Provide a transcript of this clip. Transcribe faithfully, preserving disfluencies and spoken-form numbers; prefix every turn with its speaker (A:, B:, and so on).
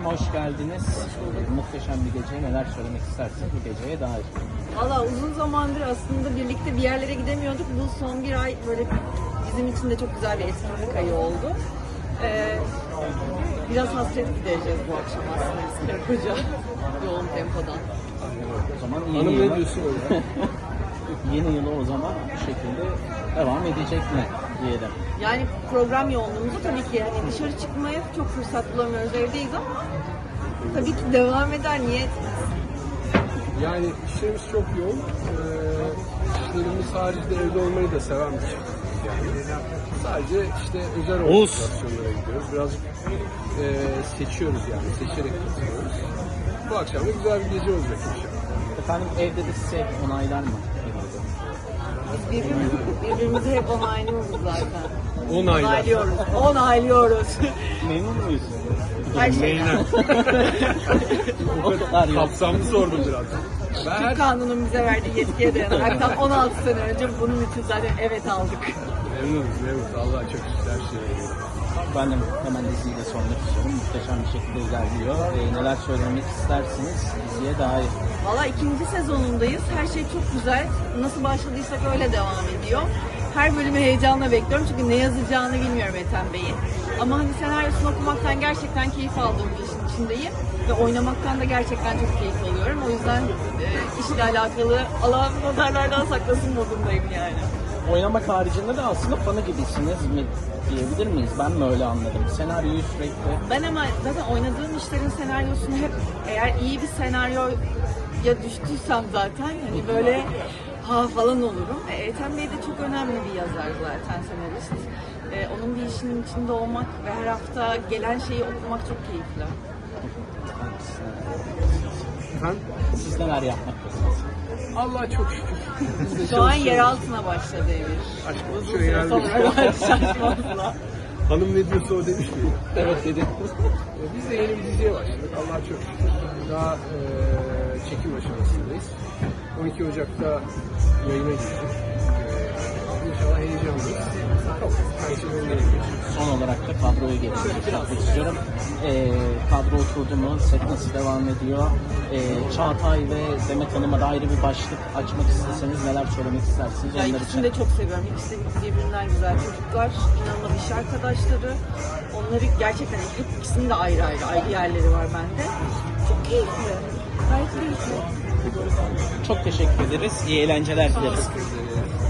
A: hoş geldiniz. Muhteşem bir gece. Neler söylemek istersiniz bu geceye dair?
B: Valla uzun zamandır aslında birlikte bir yerlere gidemiyorduk. Bu son bir ay böyle bizim için de çok güzel bir etkinlik ayı oldu. Ee, biraz hasret gidereceğiz bu akşam aslında biz karı koca yoğun tempodan.
A: O zaman yeni
C: Hanım
A: yıla,
C: ne diyorsun öyle?
A: yeni yıla o zaman bu şekilde devam edecek mi diyelim.
B: Yani program yoğunluğumuzu tabii ki hani dışarı çıkmaya çok fırsat bulamıyoruz, evdeyiz ama tabii ki devam eder. Niye?
C: Yani işlerimiz çok yoğun. Ee, işlerimiz haricinde evde olmayı da seven bir çiftiz yani. Sadece işte özel organizasyonlara gidiyoruz. Birazcık e, seçiyoruz yani. Seçerek katılıyoruz. Bu akşam da güzel bir gece olacak inşallah.
A: Efendim evde de size onaylar mı?
B: Biz birbirimizi, birbirimizi hep onaylıyoruz zaten.
C: Onaylar.
B: Onaylıyoruz. Onaylıyoruz.
A: Memnun muyuz?
B: Her şeyden.
A: O kadar yok.
C: Kapsamlı sordum biraz. Ben her
B: Türk kanunun bize verdiği yetkiye dayanarak tam on altı sene önce bunun için zaten evet aldık.
C: memnunuz, memnunuz. Allah'a çok şükür her şey memnunuz.
A: Ben de hemen diziyi de sormak istiyorum. Muhteşem bir şekilde ilerliyor. Ee, neler söylemek istersiniz diziye dair?
B: Valla ikinci sezonundayız. Her şey çok güzel. Nasıl başladıysak öyle devam ediyor. Her bölümü heyecanla bekliyorum çünkü ne yazacağını bilmiyorum Ethem Bey'in. Ama hani senaryosunu okumaktan gerçekten keyif aldığım bir işin içindeyim. Ve oynamaktan da gerçekten çok keyif alıyorum. O yüzden e, işle alakalı Allah'ım nazarlardan saklasın modundayım yani.
A: Oynamak haricinde de aslında fanı gibisiniz mi diyebilir miyiz? Ben mi öyle anladım? Senaryoyu sürekli...
B: Ben ama zaten oynadığım işlerin senaryosunu hep eğer iyi bir senaryoya düştüysem zaten hani böyle ha falan olurum. E, Ethem Bey de çok önemli bir yazar zaten, senarist. E, onun bir işinin içinde olmak ve her hafta gelen şeyi okumak çok keyifli.
C: Efendim?
A: Siz neler yapmaktasınız?
C: Allah'a çok şükür. Biz de
B: Şu an
C: çalışıyoruz.
B: yer altına başladı Emir.
C: Aşk olsun,
B: Uzun
C: şuraya
B: süre
C: geldik.
B: sonra şaşmazla.
C: Hanım ne diyorsa o demiş miydi?
A: Evet dedim.
C: Ee, Biz de yeni bir diziye başladık. Allah'a çok şükür. Daha e, çekim aşamasındayız. on iki Ocak'ta yayına girecek. E, İnşallah heyecanlıyız. Çok her şey önüne geçiyor.
A: Son olarak da kadroyu geçmek istiyorum. Ee, kadro oturdu mu? Set nasıl devam ediyor? Ee, Çağatay ve Demet Hanım'a da ayrı bir başlık açmak isteseniz neler söylemek istersiniz?
B: Ben
A: Onlar
B: ikisini de
A: için.
B: çok seviyorum. İkisi de birbirinden güzel çocuklar. İnanılmaz iş arkadaşları. Onları gerçekten hep ikisinin de ayrı ayrı ayrı yerleri var bende. Çok keyifli. Gayet keyifli.
A: Çok teşekkür ederiz. İyi eğlenceler dileriz.
C: Teşekkür ederim.